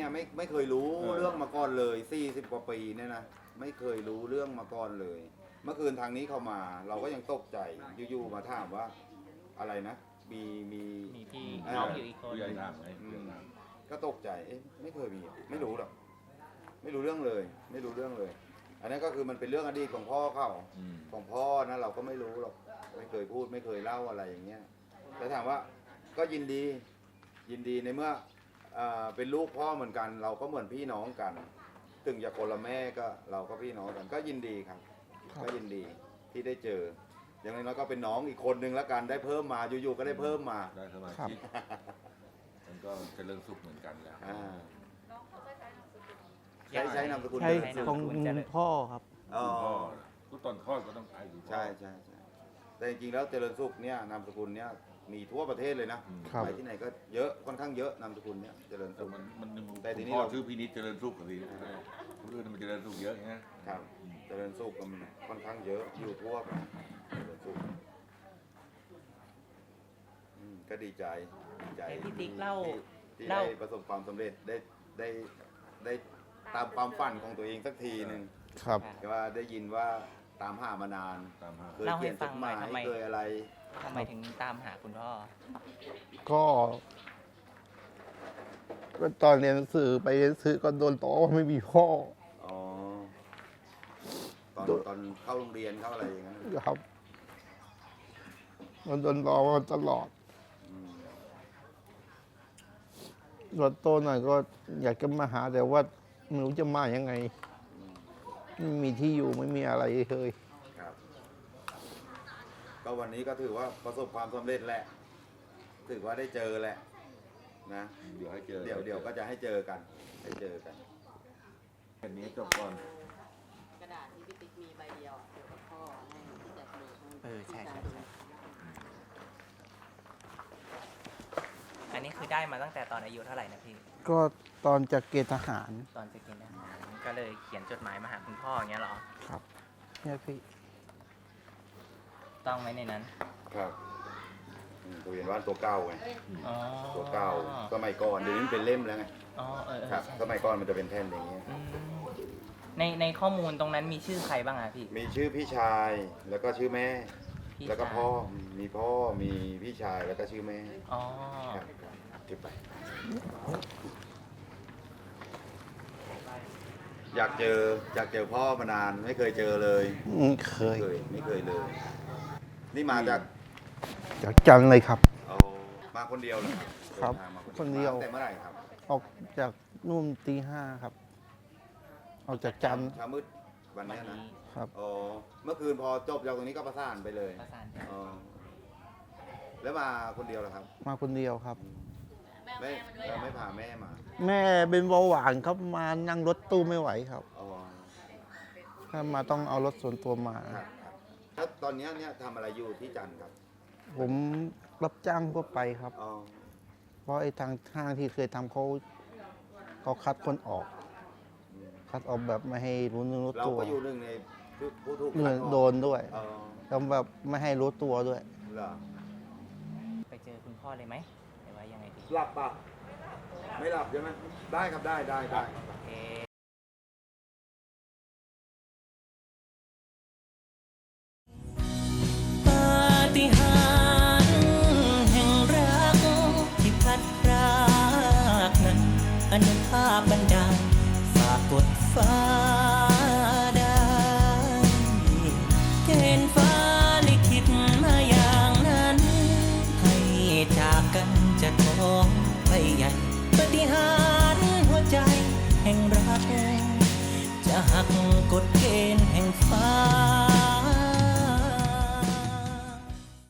เนี่ยไม่เคยรู้เรื่องมาก่อนเลย40กว่าปีเนี่ยนะไม่เคยรู้เรื่องมาก่อนเลย เมื่อคืนทางนี้เข้ามาเราก็ยังตกใจอยู่ๆมาถามว่าอะไรนะมีพี่น้องอยู่อีกคนผู้ใหญ่ถามไงก็ตกใจเอ๊ะไม่เคยมีไม่รู้หรอกไม่รู้เรื่องเลย ไม่รู้เรื่องเลย อันนั้นก็คือมันเป็นเรื่องอดีตของพ่อเขาของพ่อนะเราก็ไม่รู้หรอกไม่เคยพูดไม่เคยเล่าอะไรอย่างเงี้ยแต่ถามว่าก็ยินดีในเมื่อเป็นลูกพ่อเหมือนกัน เราก็เหมือนพี่น้องกันถึงจะคนละแม่ก็เราก็พี่น้องกันก็ยินดีครับก็ยินดีที่ได้เจออย่างน้อยก็เป็นน้องอีกคนนึงแล้วกันได้เพิ่มมาอยู่ๆก็ได้เพิ่มมาได้สมาชิกมันก็เจริญสุขเหมือนกันแล้วใช้นามสกุลใช่ของพ่อครับอ๋อพ่อทุกตอนคลอดก็ต้องไปดูพ่อใช่แต่จริงๆแล้วเจริญสุขเนี่ยนามสกุลเนี่ยมีทั่วประเทศเลยนะครับ ไปที่ไหนก็เยอะค่อนข้างเยอะนามสกุลเนี่ยเจริญแต่สุขมันแต่ทีนี้พ่อเราชื่อพินิจเจริญสุขกันสิคนอื่นมันเจริญสุขเยอะไงครับเจริญสุขมันค่อนข้างเยอะอยู่ทั่วไปเจริญสุขก็ดีใจให้พี่ติ๊กเล่าที่ได้ประสบความสำเร็จได้ตามความฝันของตัวเองสักทีหนึ่งครับแต่ว่าได้ยินว่าตามหามานานตามหาเคยเขียนจดหมายเคยอะไรทำไมถึงตามหาคุณพ่อก็ตอนเรียนหนังสือไปเรียนหนังสือก็โดนต่อว่าไม่มีพ่ออ๋อตอนเข้าโรงเรียนเข้าอะไรอย่างนั้นครับมันโดนล้อมาตลอดอืมรถโตหน่อยก็อยากจะมาหาแต่ว่าไม่รู้จะมายังไงไม่มีที่อยู่ไม่มีอะไรเลยครับ ก็วันนี้ก็ถือว่าประสบความสำเร็จแหละ ถือว่าได้เจอแหละ นะเดี๋ยวให้เจอเดี๋ยวก็จะให้เจอกันแค่นี้จบก่อนกระดาษที่พี่ติ๊กมีใบเดียวเดี๋ยวกับพ่อให้ที่จะดูใช่ อันนี้คือได้มาตั้งแต่ตอนอายุเท่าไหร่นะพี่ก็ตอนจะเกณฑ์ทหารตอนจะกินอาหารก็เลยเขียนจดหมายมาหาคุณพ่ออย่างเงี้ยเหรอครับเนี่ยพี่ต้องไหมในนั้นครับตัวเรียนว่านตัวเก่าไงอ๋อตัวเก่าสมัยก่อนเดี๋ยวนี้มันเป็นเล่มแล้วไงอ๋อครับใช่สมัยก่อนมันจะเป็นแผ่นอย่างเงี้ยอืมในข้อมูลตรงนั้นมีชื่อใครบ้างอะพี่มีชื่อพี่ชาย แล้วก็ชื่อแม่พี่แล้วก็ชายพ่อ มีพ่อ มีพี่ชาย แล้วก็ชื่อแม่อ๋อครับเก็บไป อยากเจอพ่อมานานไม่เคยเจอเลยเคยไม่เคยเลย นี่มาจากจากจันทร์เลยครับเอามาคนเดียวเลยครับเดิทางมาคนเดียวมาตั้งแต่เมื่อไหร่ครับออกจากนู่นตี 5ครับ ออกจากจันทร์เช้ามืดวันวันเนี้ยนะนี้ครับอ๋อเมื่อคืนพอจบจากตรงนี้ก็ประสานไปเลยประสานกันอ๋อแล้วมาคนเดียวเหรอครับมาคนเดียวครับไม่พาแม่มาแม่เป็นเบาหวานครับมานั่งรถตู้ไม่ไหวครับอ๋อถ้ามาต้องเอารถส่วนตัวมาครับแล้วตอนเนี้ยทำอะไรอยู่ที่จันทร์ครับผมรับจ้างทั่วไปครับอ๋อเพราะไอ้ทางห้างที่เคยทำเขาคัดคนออก คัดออกแบบไม่ให้รู้เนื้อรู้เราตัวก็อยู่หนึ่งในผู้ถูกเงินคัออกโดนด้วยอ๋อแล้วแบบไม่ให้รู้ตัวด้วยเหรอไปเจอคุณพ่อเลยไหมหรือว่ายังไงดีหลับป่ะไม่หลับใช่ไหมได้ครับได้โอเค ปาฏิหาริย์แห่งรักที่พัดพรากนั้นอนุภาพบันดาลฝากกดฟ้าได้เกณฑ์ฟ้าลิขิตมาอย่างนั้น ให้จากกันจะท้องไปใหญ่ปาฏิหาริย์หัวใจแห่งรัก จะหักกฎเกณฑ์แห่งฟ้า